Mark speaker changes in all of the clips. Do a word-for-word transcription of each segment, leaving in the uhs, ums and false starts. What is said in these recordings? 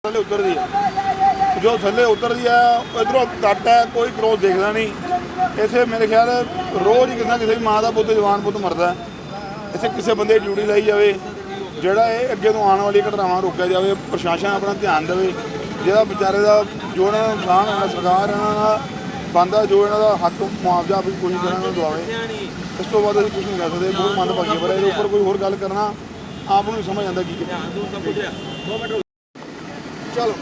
Speaker 1: थले उतर दी है जो थले उतर दी है इधरों कट है कोई क्रॉस देखता नहीं। इसे मेरे ख्याल रोज़ ही किसी ना किसी माँ का पुत जवान पुत मरदा है। इसे किसी बंदे की ड्यूटी लाई जाए जोड़ा ये अगे तो आने वाली घटनावां रोकिया जाए, प्रशासन अपना ध्यान देवे। जो बेचारे का जो इन्होंने नुकसान होना सरकार इन्होंने बनता जो इन्हों हक मुआवजा भी कोशिश करना दवावे। इस तो बाद कुछ नहीं कह सकते, बहुत मंदभागी पर ये उपर कोई होर गल करना आप नहीं समझ आता की चलो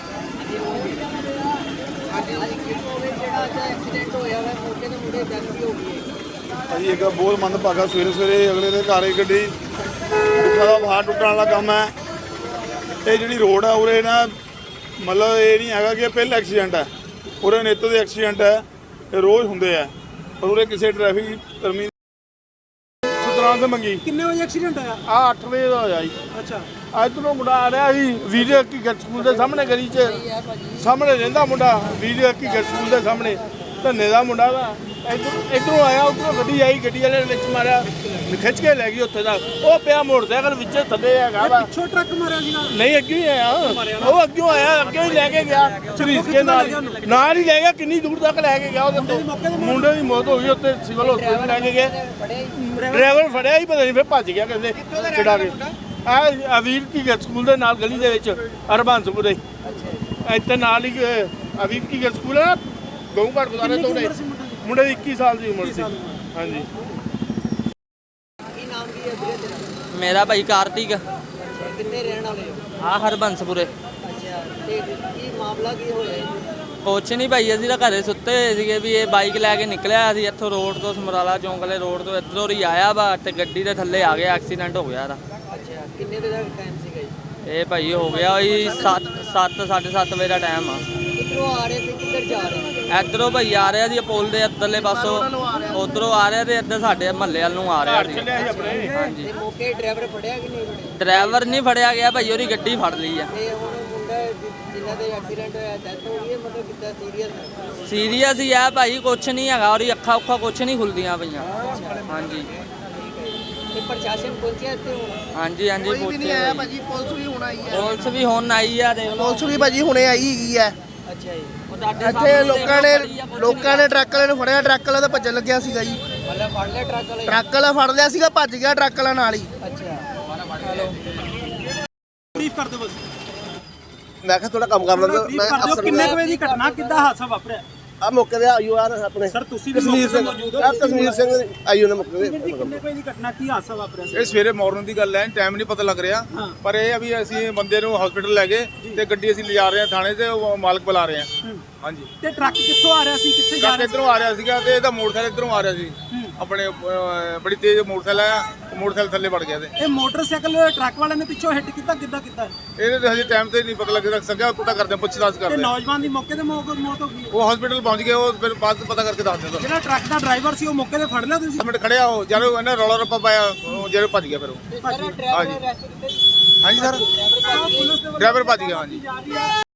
Speaker 1: भाई एक बहुत मंदभागा सवेरे सवेरे अगले के घर गड्डी दुखा का बाहर टुटने वाला काम है। ये जी रोड है उरे ना मतलब ये नहीं है कि पहला एक्सीडेंट है, उरे नित के एक्सीडेंट है, ये रोज़ होंगे है। पर उरे किसी ट्रैफिक कर्मी से मंगी
Speaker 2: कितने बजे एक्सीडेंट होया?
Speaker 1: आ अठ बजे का होया जी।
Speaker 2: अच्छा
Speaker 1: इधरों मुंडा आ रहा जी वीडियो की गट स्कूल के सामने गली च सामने रहिंदा मुंडा वीडियो की गट स्कूल के सामने धन्ने का मुंडा वा इधर इधरों आया उधरों गड्डी आई गड्डी वाले ने मारिया खिंच के लै गई उत्थे तक वो पिया मोटरसाइकिल विच थल्ले हैगा वा
Speaker 2: पिछों ट्रक मारिया सीगा
Speaker 1: नहीं अगे ही आया वो अगे आया अगे ही लैके गया झरीस के नाल नाल ही ले गया किन्नी दूर तक लैके गया मुंडे की मौत हो गई उत्थे सिविल हॉस्पिटल लैके गए ड्राइवर फड़िया ही पता नहीं फिर भज गया कहते छड़ा के आ अवीर की स्कूल के नाल गली दे विच हरबंसपुरे इत्थे नाल ही अवीर की स्कूल है गऊ घाट गुजारे तो मुंडे की इक्की साल की उम्र सी। हाँ जी
Speaker 3: मेरा भाई कार्तिक
Speaker 2: कितने रहने वाले हो?
Speaker 3: आ हरबंसपुरे
Speaker 2: अच्छा ते की मामला की होया?
Speaker 3: ਕੁਛ ਨਹੀਂ ਭਾਈ ਅਸੀਂ ਤਾਂ ਘਰੇ ਸੁੱਤੇ ਹੋਏ ਸੀਗੇ ਵੀ ਇਹ ਬਾਈਕ ਲੈ ਕੇ ਨਿਕਲਿਆ ਸੀ ਇੱਥੋਂ ਰੋਡ ਤੋਂ ਸਮਰਾਲਾ ਚੌਂਕ ਵਾਲੇ ਰੋਡ ਤੋਂ ਇੱਧਰੋਂ ਹੀ ਆਇਆ ਵਾ ਤੇ ਗੱਡੀ ਦੇ ਥੱਲੇ ਆ ਗਿਆ ਐਕਸੀਡੈਂਟ ਹੋ ਗਿਆ ਇਹਦਾ।
Speaker 2: ਅੱਛਾ ਕਿੰਨੇ ਵਜੇ ਦਾ ਟਾਈਮ ਸੀਗਾ ਜੀ?
Speaker 3: ਇਹ ਭਾਈ ਹੋ ਗਿਆ ਉਹੀ ਸੱਤ ਸੱਤ ਸਾਢੇ ਸੱਤ ਵਜੇ ਦਾ ਟਾਈਮ ਆ।
Speaker 2: ਕਿੱਧਰੋਂ ਆ ਰਹੇ ਤੇ ਕਿੱਧਰ ਜਾ ਰਹੇ?
Speaker 3: ਇੱਧਰੋਂ ਭਾਈ ਆ ਰਿਹਾ ਸੀ ਪੁਲ ਦੇ ਇੱਧਰਲੇ ਪਾਸੋਂ ਉਧਰੋਂ ਆ ਰਿਹਾ ਤੇ ਇੱਧਰ ਸਾਡੇ ਮਹੱਲੇ ਵੱਲ ਨੂੰ ਆ ਰਿਹਾ ਸੀ। ਹਾਂਜੀ
Speaker 2: ਤੇ ਮੌਕੇ ਡਰਾਈਵਰ ਫੜਿਆ ਕਿ ਨਹੀਂ ਫੜਿਆ?
Speaker 3: ਡਰਾਈਵਰ ਨਹੀਂ ਫੜਿਆ ਗਿਆ ਭਾਈ ਉਹਦੀ ਗੱਡੀ ਫੜ ਲਈ ਆ।
Speaker 2: ਤੇ ਹੁਣ ਮੁੰਡਾ ਜਿਨ੍ਹਾਂ ਦੇ ਐਕਸੀਡੈਂਟ ਹੋਇਆ ਡੈਥ ਹੋ ਗਈ ਹੈ ਮਤਲਬ ਕਿੱਦਾਂ ਸੀਰੀਅਸ ਹੈ?
Speaker 3: ਸੀਰੀਅਸ ਹੀ ਆ ਭਾਈ ਕੁਛ ਨਹੀਂ ਹੈਗਾ ਉਹਦੀ ਅੱਖਾਂ ਉੱਖਾਂ ਕੁਛ ਨਹੀਂ ਖੁੱਲਦੀਆਂ ਪਈਆਂ। ਹਾਂਜੀ
Speaker 2: ਤੇ ਪ੍ਰਸ਼ਾਸਨ ਪਹੁੰਚਿਆ ਇੱਥੇ ਹੁਣ?
Speaker 3: ਹਾਂਜੀ ਹਾਂਜੀ
Speaker 4: ਕੋਈ ਵੀ ਨਹੀਂ
Speaker 3: ਪਹੁੰਚੇ
Speaker 4: ਆਇਆ
Speaker 3: ਭਾਈ।
Speaker 4: ਭਾਜੀ, ਪੁਲਿਸ ਵੀ ਹੁਣ ਆਈ ਹੈ।
Speaker 3: ਪੁਲਿਸ ਵੀ ਹੁਣ ਆਈ ਆ ਦੇਖ ਲਓ।
Speaker 4: ਪੁਲਿਸ ਵੀ ਭਾਜੀ ਹੁਣੇ ਆਈ ਹੈਗੀ ਹੈ।
Speaker 2: ਅੱਛਾ ਜੀ
Speaker 3: ਉਹ ਤੁਹਾਡੇ
Speaker 4: ਇੱਥੇ
Speaker 3: ਸਾਹਮਣੇ
Speaker 4: ਲੋਕਾਂ ਨੇ
Speaker 3: ਦੇਖ ਲਓ ਖੜੀ ਆ,
Speaker 4: ਲੋਕਾਂ ਨੇ ਟਰੱਕ ਵਾਲੇ ਨੂੰ ਫੜਿਆ, ਟਰੱਕ ਵਾਲਾ ਤਾਂ ਭੱਜਣ ਲੱਗਿਆ ਸੀਗਾ ਜੀ।
Speaker 2: ਮਤਲਬ ਫੜ ਲਿਆ ਟਰੱਕ ਵਾਲੇ?
Speaker 4: ਟਰੱਕ ਵਾਲਾ ਫੜ ਲਿਆ ਸੀਗਾ, ਭੱਜ ਗਿਆ ਟਰੱਕ ਵਾਲਾ ਨਾਲ ਹੀ।
Speaker 2: ਅੱਛਾ ਹਲੋ ਬਰੀਫ ਕਰ ਦਿਓ ਬਸ।
Speaker 4: ਮੈਂ ਕਿਹਾ ਥੋੜਾ ਕੰਮ ਕਰ ਲੈਂਦਾ
Speaker 2: ਬਰੀਫ ਕਰ ਦਿਓ ਕਿੰਨੇ ਕੁ ਵਜੇ ਦੀ ਘਟਨਾ ਕਿੱਦਾਂ ਹਾਦਸਾ ਵਾਪਰਿਆ?
Speaker 4: ਆ ਮੌਕੇ ਤੇ ਆਇਓ ਯਾਰ ਆਪਣੇ
Speaker 2: ਸਰ ਤੁਸੀਂ ਵੀ
Speaker 4: ਕਸ਼ਮੀਰ ਸਿੰਘ
Speaker 2: ਮੌਕੇ ਤੇ ਮੌਜੂਦ ਹੋ।
Speaker 4: ਆ ਕਸ਼ਮੀਰ ਸਿੰਘ ਆਇਓ ਨੇ ਮੌਕੇ
Speaker 2: ਵੀਰ ਜੀ, ਕਿੰਨੇ ਕੁ ਵਜੇ ਦੀ ਘਟਨਾ ਕੀ ਹਾਦਸਾ ਵਾਪਰਿਆ ਸੀ?
Speaker 5: ਇਹ ਸਵੇਰੇ ਮਾਰਨਿੰਗ ਦੀ ਗੱਲ ਹੈ, ਟਾਈਮ ਨਹੀਂ ਪਤਾ ਲੱਗ ਰਿਹਾ।
Speaker 2: ਹਾਂ।
Speaker 5: ਪਰ ਇਹ ਆ ਵੀ ਅਸੀਂ ਬੰਦੇ ਨੂੰ ਹਸਪੀਟਲ ਲੈ ਗਏ ਤੇ ਗੱਡੀ ਅਸੀਂ ਲਿਜਾ ਰਹੇ ਹਾਂ ਥਾਣੇ ਤੇ, ਉਹ ਮਾਲਕ ਬੁਲਾ ਰਹੇ ਹਾਂ। ਹਾਂਜੀ
Speaker 2: ਤੇ ਟਰੱਕ ਕਿੱਥੋਂ ਆ ਰਿਹਾ ਸੀ ਕਿੱਥੇ ਜਾ
Speaker 5: ਟਰੱਕ
Speaker 2: ਰਿਹਾ
Speaker 5: ਇੱਧਰੋਂ ਆ ਰਿਹਾ ਸੀਗਾ ਤੇ ਇਹਦਾ ਮੋਟਰਸਾਈਕਲ ਇੱਧਰੋਂ ਆ ਰਿਹਾ ਸੀ। ਆਪਣੇ ਅਹ, ਬੜੀ ਤੇਜ਼ ਮੋਟਰਸਾਈਕਲ ਆਇਆ, ਉਹ ਮੋਟਰਸਾਈਕਲ ਥੱਲੇ ਵੜ ਗਿਆ ਤੇ
Speaker 2: ਇਹ ਮੋਟਰਸਾਈਕਲ ਟਰੱਕ ਵਾਲੇ ਨੇ ਪਿੱਛੋਂ ਹਿੱਟ ਕੀਤਾ ਕਿੱਦਾਂ ਕੀਤਾ?
Speaker 5: ਇਹਦੇ ਤੇ ਹਜੇ ਟਾਈਮ ਤੇ ਨਹੀਂ ਪਤਾ ਲੱਗ ਸਕਿਆ, ਪਤਾ ਕਰਦੇ ਹਾਂ, ਪੁੱਛ-ਤਾਛ
Speaker 2: ਤੇ
Speaker 5: ਕਰਦੇ ਹਾਂ।
Speaker 2: ਨੌਜਵਾਨ ਦੀ ਮੌਕੇ ਤੇ ਮੌਤ ਮੌਤ ਹੋ ਗਈ।
Speaker 5: ਉਹ ਹਸਪੀਟਲ ਪਹੁੰਚ ਗਏ, ਉਹ ਫਿਰ ਬਾਅਦ 'ਚ ਪਤਾ ਕਰਕੇ ਦੱਸ ਦਿੰਦਾ।
Speaker 2: ਜਿਹੜਾ ਟਰੱਕ ਦਾ ਡਰਾਈਵਰ ਸੀ ਉਹ ਮੌਕੇ ਤੇ ਫੜ ਲਿਆ ਤੁਸੀਂ?
Speaker 5: ਮਿੰਟ ਖੜਿਆ ਉਹ ਜਦੋਂ ਇਹਨੇ ਰੌਲਾ ਰੱਪਾ ਪਾਇਆ, ਉਹ ਜਦੋਂ ਭੱਜ ਗਿਆ ਫਿਰ ਉਹ।
Speaker 2: ਡਰਾਈਵਰ ਅਰੈਸਟ ਕੀਤਾ?
Speaker 5: ਹਾਂਜੀ ਸਰ,
Speaker 2: ਪੁਲਿਸ ਦੇ ਵੱਲੋਂ
Speaker 5: ਡਰਾਈਵਰ ਭੱਜ ਗਿਆ। ਹਾਂਜੀ
Speaker 2: ਜਾ ਰਹੀ ਹੈ